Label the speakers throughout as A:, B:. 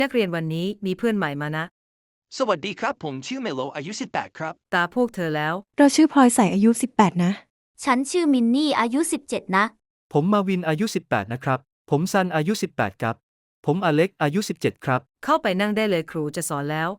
A: นักเรียนวันนี้มีเพื่อนใหม่มานะ
B: สวัสดีครับผมชื่อเมโลอายุ18ครับ
A: ตาพวกเธอแล้ว
C: เราชื่อพลอยใสอายุ18นะ
D: ฉันชื่อมินนี่อายุ17นะ
E: ผมมาวินอายุ18นะครับผมซันอายุ18ครับผมอเล็กอายุ17ครับ
A: เข้าไปนั่งได้เลยครูจะสอนแล้ว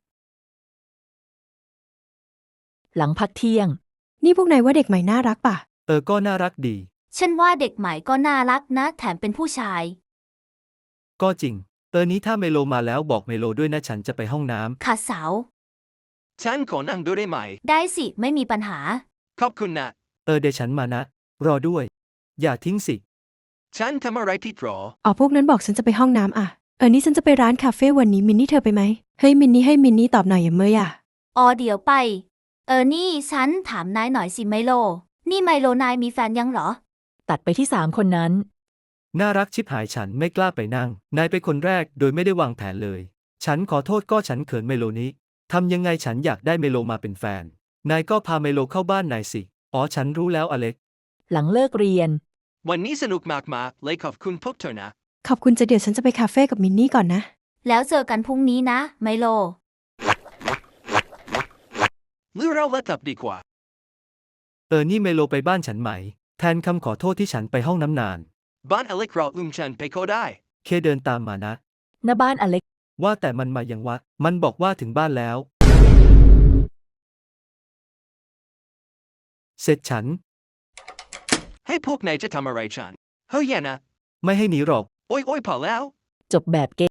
F: หลังพักเที่ยง
C: นี่พวกนายว่าเด็กใหม่น่ารักป่ะ
E: ก็น่ารักดี
D: ฉันว่าเด็กใหม่ก็น่ารักนะแถมเป็นผู้ชาย
E: ก็จริงนี้ถ้าเมโลมาแล้วบอกเมโลด้วยนะฉันจะไปห้องน้ำ
D: ค่ะสาว
B: ฉันขอนั่งด้วยได้ไหม
D: ได้สิไม่มีปัญหา
B: ขอบคุณนะ
E: เดี๋ยวฉันมานะ รอด้วย อย่าทิ้งสิ
B: ฉันทำอะไรผิดหรอ
C: อ๋อพวกนั้นบอกฉันจะไปห้องน้ำอ่ะนี่ฉันจะไปร้านคาเฟ่วันนี้มินนี่เธอไปไหมเฮ้ยมินนี่ตอบหน่อยอย่าเมยอ่ะ
D: เดี๋ยวไป นี่ฉันถามนายหน่อยสิไมโล นี่ไมโลนายมีแฟนยังเหรอ
F: ตัดไปที่3คนนั้น
E: น่ารักชิบหายฉันไม่กล้าไปนั่งนายเป็นคนแรกโดยไม่ได้วางแผนเลยฉันขอโทษก็ฉันเขินเมโลนี้ทำยังไงฉันอยากได้เมโลมาเป็นแฟนนายก็พาเมโลเข้าบ้านนายสิฉันรู้แล้วอเล็ก
F: หลังเลิกเรียน
B: วันนี้สนุกมากๆเลยขอบคุณพวกเธอนะ
C: ขอบคุณจะเดี๋ยวฉันจะไปคาเฟ่กับมินนี่ก่อนนะ
D: แล้วเจอกันพรุ่งนี้นะไมโล
B: หรือเราเลิกกลับดีกว่า
E: นี่เมโลไปบ้านฉันไหมแทนคำขอโทษที่ฉันไปห้องน้ำนาน
B: บ้านอเล็กเราฉันไปก็ได้
E: เคเดินตามมานะ
F: หน้าบ้านอเล็ก
E: ว่าแต่มันมายังวะมันบอกว่าถึงบ้านแล้ว เสร็จฉัน
B: ให้พวกนายจะทำอะไรฉัน เฮ้ยอย่านะ
E: ไม่ให้หนีหรอก
B: โอ้ยพอแล้ว
F: จบแบบเก